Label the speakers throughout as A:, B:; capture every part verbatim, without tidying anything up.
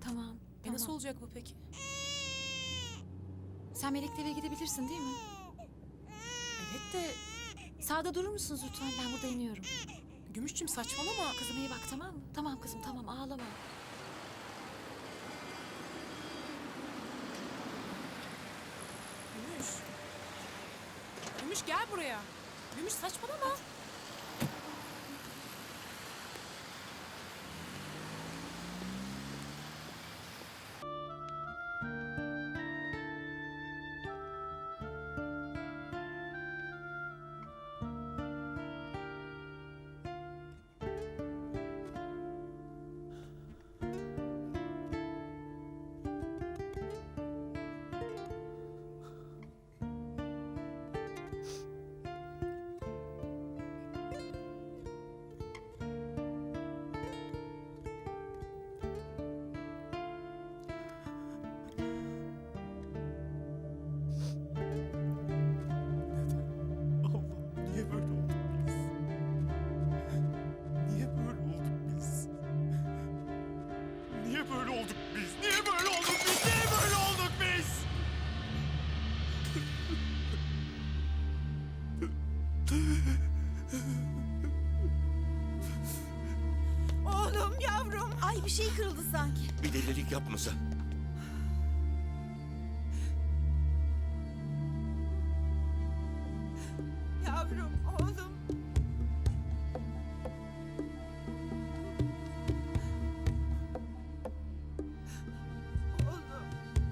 A: Tamam.
B: E
A: tamam.
B: nasıl olacak bu peki?
A: Sen Melek'le eve gidebilirsin değil mi?
B: Evet de
A: Sağda durur musunuz lütfen? Ben burada iniyorum.
B: Gümüşçüm saçmalama.
A: Kızım iyi bak tamam mı? Tamam kızım tamam ağlama.
B: Gümüş. Gümüş gel buraya. Gümüş saçmalama.
C: Allah'ım niye böyle olduk biz? Niye böyle olduk biz? Niye böyle olduk biz? Niye böyle olduk biz? Niye böyle olduk biz?
D: Oğlum yavrum. Ay bir şey kırıldı sanki.
C: Bir delilik yapmasa.
D: Yavrum oğlum. Oğlum.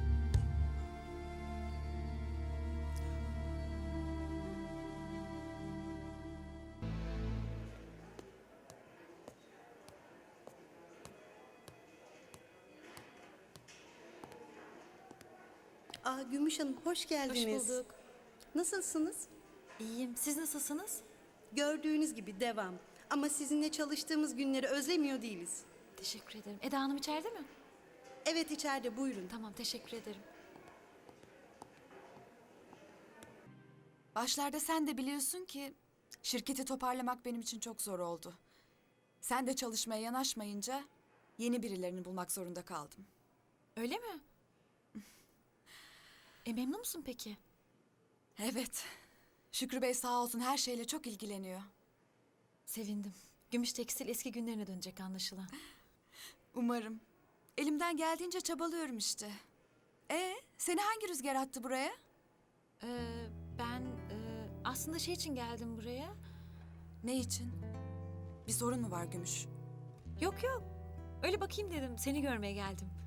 E: Aa, Gümüş Hanım hoş geldiniz.
A: Hoş bulduk.
E: Nasılsınız?
A: İyiyim. Siz nasılsınız?
E: Gördüğünüz gibi devam. Ama sizinle çalıştığımız günleri özlemiyor değiliz.
A: Teşekkür ederim. Eda Hanım içeride mi?
E: Evet içeride buyurun.
A: Tamam teşekkür ederim.
F: Başlarda sen de biliyorsun ki şirketi toparlamak benim için çok zor oldu. Sen de çalışmaya yanaşmayınca yeni birilerini bulmak zorunda kaldım.
A: Öyle mi? E memnun musun peki?
F: Evet. Şükrü Bey sağ olsun her şeyle çok ilgileniyor.
A: Sevindim. Gümüş Tekstil eski günlerine dönecek anlaşılan.
F: Umarım. Elimden geldiğince çabalıyorum işte. E, seni hangi rüzgar attı buraya?
A: Ee, ben e, aslında şey için geldim buraya.
F: Ne için? Bir sorun mu var Gümüş?
A: Yok yok. Öyle bakayım dedim. Seni görmeye geldim.